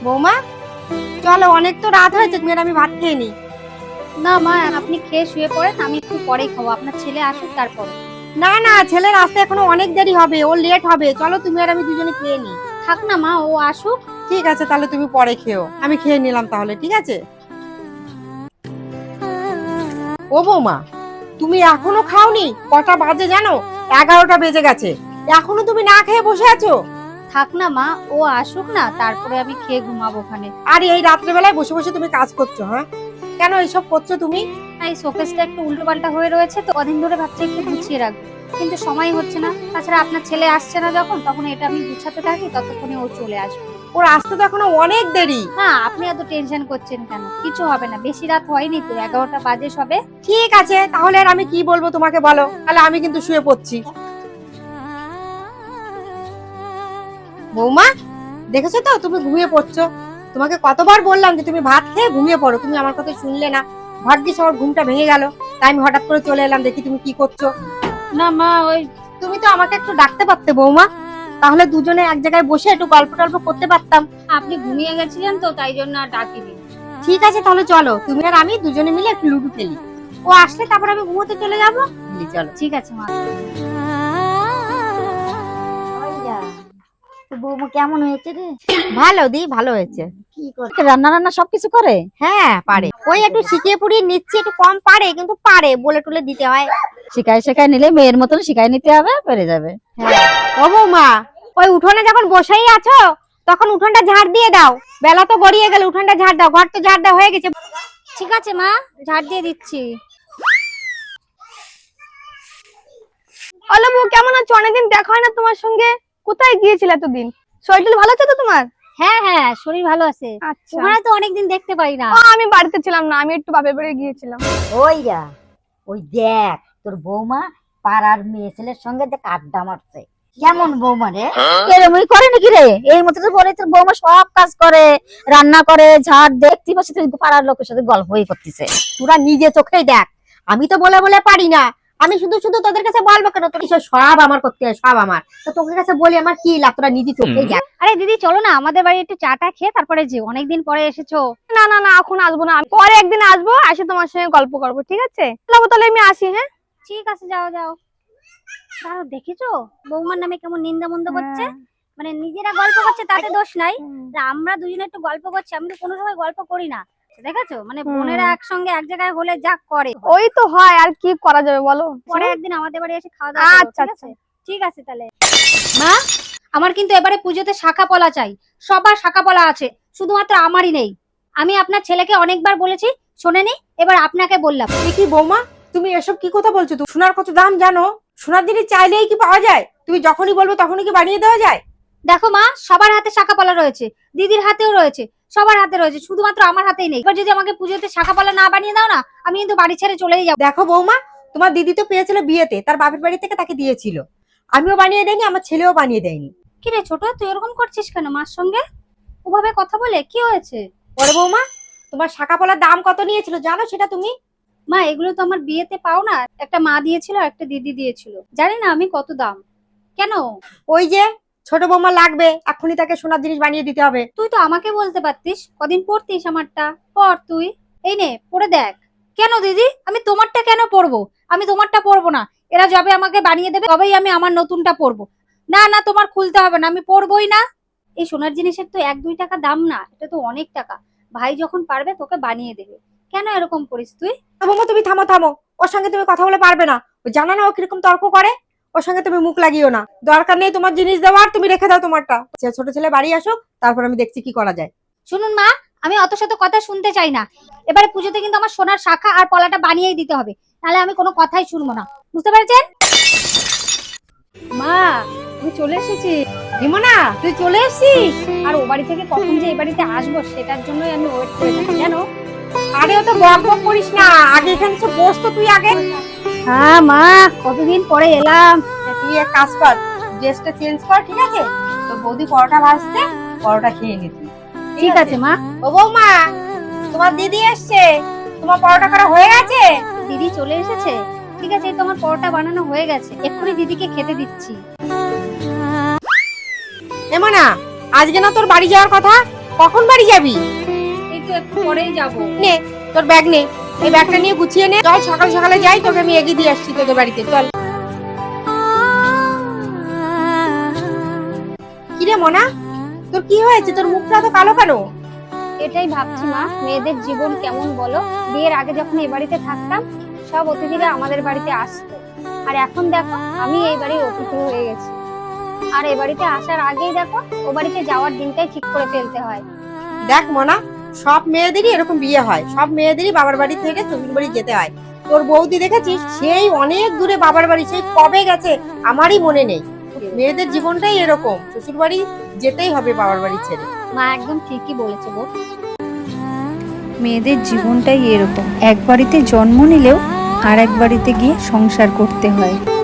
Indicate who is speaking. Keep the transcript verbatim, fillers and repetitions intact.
Speaker 1: বৌমা চলো, অনেক তো রাত হয়েছে, তুমি আর আমি ভাত খেয়ে নি।
Speaker 2: না মা, আপনি খেয়ে শুয়ে পড়েন, আমি একটু পরেই খাবো, আপনার ছেলে আসুক তারপর।
Speaker 1: না না, ছেলের আসতে এখনো অনেক দেরি হবে, ও লেট হবে। চলো তুমি আর আমি দুজনে খেয়ে নি।
Speaker 2: থাক না মা, ও আসুক।
Speaker 1: ঠিক আছে, তাহলে তুমি পরে খেও, আমি খেয়ে নিলাম তাহলে। ঠিক আছে। ও বৌমা, তুমি এখনো খাওনি? কটা বাজে জানো? এগারোটা বেজে গেছে, এখনো তুমি না খেয়ে বসে আছো?
Speaker 2: থাক না মা, ও আসুক না, তারপরে আমি খেয়ে ঘুমাবো ওখানে।
Speaker 1: আর এই রাত্রেবেলায় বসে বসে তুমি কাজ করছো? হ্যাঁ, কেন এইসব করছো তুমি?
Speaker 2: এই শোকেসটা একটু উল্টো পাল্টা হয়ে রয়েছে তো, কদিন ধরে ভাবছি একটু গুছিয়ে রাখবো, কিন্তু সময় হচ্ছে না। তাছাড়া আপনার ছেলে আসছে না যখন, তখন এটা আমি গুছাতে থাকি, ততক্ষণে ও চলে আসবে।
Speaker 1: ওর আসতে তো এখনো অনেক দেরি।
Speaker 2: হ্যাঁ, আপনি এত টেনশন করছেন কেন? কিছু হবে না, বেশি রাত হয়নি তো, এগারোটা বাজে সবে।
Speaker 1: ঠিক আছে, তাহলে আর আমি কি বলবো তোমাকে বলো? তাহলে আমি কিন্তু শুয়ে পড়ছি। বৌমা, দেখেছো তো তুমি ঘুমিয়ে পড়ছো। তোমাকে কতবার বললাম যে তুমি ভাত খেয়ে ঘুমিয়ে পড়ো, তুমি আমার কথা শুনলে না। ভাগ্যিস আমার ঘুমটা ভেঙে গেল, তাই আমি হঠাৎ করে চলে এলাম, দেখি তুমি কি করছো।
Speaker 2: না মা, ওই
Speaker 1: তুমি তো আমাকে একটু ডাকতে পারতে বৌমা, তাহলে দুজনে এক জায়গায় বসে একটু গল্প টল্প করতে পারতাম।
Speaker 2: আপনি ঘুমিয়ে গেছিলেন তো, তাই জন্য আর ডাকিনি।
Speaker 1: ঠিক আছে, তাহলে চলো তুমি আর আমি দুজনে মিলে একটু লুডো খেলি। ও আসলে তারপর আমি ঘুমোতে চলে যাবো। চলো।
Speaker 2: ঠিক আছে মা।
Speaker 3: বৌমা কেমন হয়েছে রে?
Speaker 1: ভালো দি, ভালো হয়েছে।
Speaker 3: কি করে রান্না রান্না সবকিছু করে?
Speaker 1: হ্যাঁ পারে, ওই একটু শিখিয়ে পুড়িয়ে নিচ্ছে, একটু কম পারে কিন্তু পারে, বলে টুলে দিতে হয়।
Speaker 3: শিখাই শেখাই নিলে মেয়ের মতন শিখাই নিতে হবে, পেরে যাবে।
Speaker 1: ও বৌমা, ওই উঠোনে যখন বসেই আছো তখন উঠোনটা ঝাড় দিয়ে দাও। বেলা তো গড়িয়ে গেল, উঠোনটা ঝাড় দাও, ঘর তো ঝাড় দেওয়া হয়ে গেছে।
Speaker 2: ঠিক আছে মা, ঝাড় দিয়ে দিচ্ছি।
Speaker 4: হ্যালো বউ, কেমন আছো? অনেকদিন দেখা হয় না তোমার সঙ্গে, কোথায় গিয়েছিলে এতদিন? শরীর ভালো আছে তো তোমার?
Speaker 2: হ্যাঁ হ্যাঁ, শরীর ভালো আছে।
Speaker 4: আচ্ছা,
Speaker 2: ওখানে তো অনেকদিন দেখতে পাই না।
Speaker 4: ও আমি বাড়িতে ছিলাম না, আমি একটু বাপের বাড়ি গিয়েছিলাম।
Speaker 3: ওইরা ওই দেখ, তোর বৌমা পাড়ার মেয়ে ছেলের সঙ্গে দেখ আড্ডা মারছে। কেমন বৌমা রে? এরমই করে নাকি রে? এই মতো তো বলে তোর বৌমা সব কাজ করে, রান্না করে, ঝাড় দেখতে পাচ্ছি তুই পাড়ার লোকের সাথে গল্পই করতেছে।
Speaker 1: তোরা নিজে চোখেই দেখ, আমি তো বলে বলে পারি না। আমি শুধু শুধু তোদের কাছে বলবো কেন? তোর এসব সব আমার করতে হয়, সব আমার। তো তোদের কাছে বলি আমার কি লাভ? তোরা নিজে চোখেই দেখ।
Speaker 2: আরে দিদি চলো না, আমাদের বাড়ি একটু চাটা খেয়ে তারপরে যে, অনেকদিন পরে এসেছো।
Speaker 4: না না না, এখন আসবো না, পরে একদিন আসবো, আসে তোমার সঙ্গে গল্প করবো, ঠিক আছে? তাহলে তাহলে আমি আসি। হ্যাঁ
Speaker 2: ঠিক আছে, যাও যাও। দাঁড়াও, দেখেছো বৌমার নামে কেমন নিন্দা মন্দ করছে? মানে নিজেরা গল্প করছে তাতে দোষ নাই, আর আমরা দুজনে একটু গল্প করছি, আমি তো কোনো সময় গল্প করি না। দেখেছো, মানে বোনেরা একসঙ্গে এক জায়গায় হলে যা করে।
Speaker 4: ওই তো হয়, আর কি করা যাবে বলো?
Speaker 2: পরে একদিন আমাদের বাড়ি এসে খাওয়া দাওয়া করো,
Speaker 4: আচ্ছা
Speaker 2: ঠিক আছে? ঠিক আছে তাহলে। মা, আমার কিন্তু এবারে পুজোতে শাখা পলা চাই। সবার শাখা পলা আছে, শুধুমাত্র আমারই নেই। আমি আপনার ছেলেকে অনেকবার বলেছি, শোনেনি, এবার আপনাকে বললাম।
Speaker 1: এ কি বৌমা, তুমি এসব কি কথা বলছো? তুমি সোনার কত দাম জানো? সোনার জিনিস চাইলেই কি পাওয়া যায়? তুমি যখনই বলবো তখনই কি বানিয়ে দেওয়া যায়?
Speaker 2: দেখো মা, সবার হাতে শাখা পলা রয়েছে, দিদির হাতেও রয়েছে, সবার হাতে রয়েছে, শুধুমাত্র আমার হাতেই নেই। এবার যদি আমাকে পুজোতে শাখা পলা না বানিয়ে দাও না, আমি কিন্তু বাড়ি ছেড়ে চলেই যাবো।
Speaker 1: দেখো বৌমা, তোমার দিদি তো পেয়েছিল বিয়েতে, তার বাপের বাড়ি থেকে তাকে দিয়েছিল। আমিও বানিয়ে দেয়নি, আমার ছেলেও বানিয়ে দেয়নি।
Speaker 2: কি রে ছোট, তুই এরকম করছিস কেন মার সঙ্গে? ওভাবে কথা বলে কি হয়েছে?
Speaker 1: বড় বৌমা, তোমার শাখা পলার দাম কত নিয়েছিল জানো সেটা তুমি?
Speaker 2: মা, এগুলো তো আমার বিয়েতে পাও না, একটা মা দিয়েছিল আর একটা দিদি দিয়েছিল, জানি না আমি কত দাম। কেন?
Speaker 1: ওই যে ছোট বৌমা লাগবে, এখনই তাকে সোনার জিনিস বানিয়ে দিতে হবে।
Speaker 2: তুই তো আমাকে বলতে পারতিস, কদিন পরতিস আমারটা, পর তুই। এই নে পরে দেখ। কেন দিদি, আমি তোমারটা কেন পরবো? আমি তোমারটা পরবো না, এরা যবে আমাকে বানিয়ে দেবে তবেই আমি আমার নতুনটা পরবো। না না, তোমার খুলতে হবে না, আমি পরবোই না। এই সোনার জিনিসের তো এক দুই টাকা দাম না, এটা তো অনেক টাকা। ভাই যখন পারবে তোকে বানিয়ে দেবে, কেন এরকম করিস তুই?
Speaker 1: বৌমা তুমি থামো থামো, ওর সঙ্গে তুমি কথা বলে পারবে না। ও জানো না ও কিরকম তর্ক করে? ওর সঙ্গে তুমি মুখ লাগিও না, দরকার নেই তোমার জিনিস দেওয়ার, তুমি রেখে দাও তোমারটা। ছোট ছেলে বাড়ি আসুক, তারপর আমি দেখছি কি করা যায়।
Speaker 2: শুনুন মা, আমি অত শত কথা শুনতে চাই না। এবারে পুজোতে কিন্তু আমার সোনার শাখা আর পলাটা বানিয়েই দিতে হবে, নাহলে আমি কোনো কথাই শুনবো না, বুঝতে পেরেছেন?
Speaker 4: মা, আমি চলে এসেছি।
Speaker 1: হিমনা, তুই চলে এসেছিস?
Speaker 2: আর ও বাড়ি থেকে কখন যে এই বাড়িতে আসবো সেটার জন্যই আমি ওয়েট করে থাকি, জানো?
Speaker 1: আরে ও তো বক বক করিস না, আগে এখানে এসে বস তো তুই আগে।
Speaker 2: হ্যাঁ মা, কতদিন পরে এলাম।
Speaker 1: তুই এক কাজ কর, ড্রেসটা চেঞ্জ কর, ঠিক আছে? তো বৌদি পরোটা ভাজতে, পরোটা খেয়ে নি তুই।
Speaker 2: ঠিক আছে মা।
Speaker 1: ও বৌমা, তোমার দিদি এসছে, তোমার পরোটা করা হয়ে গেছে?
Speaker 2: দিদি চলে এসেছে? ঠিক আছে, এই তোমার পরোটা বানানো হয়ে গেছে, এক্ষুনি দিদিকে খেতে দিচ্ছি।
Speaker 1: এমনা, আজকে না তোর বাড়ি যাওয়ার কথা, কখন বাড়ি যাবি?
Speaker 2: এই তো একটু পরেই যাবো।
Speaker 1: নে তোর ব্যাগ নে, এই ব্যাগটা নিয়ে গুছিয়ে নে। চল সকাল সকালে যাই, তোকে আমি এগিয়ে দিয়ে আসছি তোদের বাড়িতে। চল। কিরে মনা, তোর কি হয়েছে? তোর মুখটা তো কালো কেন?
Speaker 4: এটাই ভাবছি মা, মেয়েদের জীবন কেমন বলো। বিয়ের আগে যখন এই বাড়িতে থাকতাম সব অতিথিরা আমাদের বাড়িতে আসতো, আর এখন দেখো আমি এই বাড়ির অতিথি হয়ে গেছি। আর এই বাড়িতে আসার আগেই দেখো ও বাড়িতে যাওয়ার দিনটাই ঠিক করে ফেলতে হয়।
Speaker 1: দেখ মনা, সব মেয়েদেরই এরকম বিয়ে হয়, সব মেয়েদেরই বাবার বাড়ি থেকে শ্বশুর বাড়ি যেতে হয়। তোর বৌদি দেখেছিস, সেই অনেক দূরে বাবার বাড়ি, সেই কবে গেছে আমারই মনে নেই। মেয়েদের জীবনটাই এরকম, শ্বশুর বাড়ি যেতেই হবে বাবার বাড়ি ছেড়ে।
Speaker 4: মা একদম ঠিকই বলেছে বোন।
Speaker 2: মেয়েদের জীবনটাই এরকম, এক বাড়িতে জন্ম নিলেও আর এক বাড়িতে গিয়ে সংসার করতে হয়।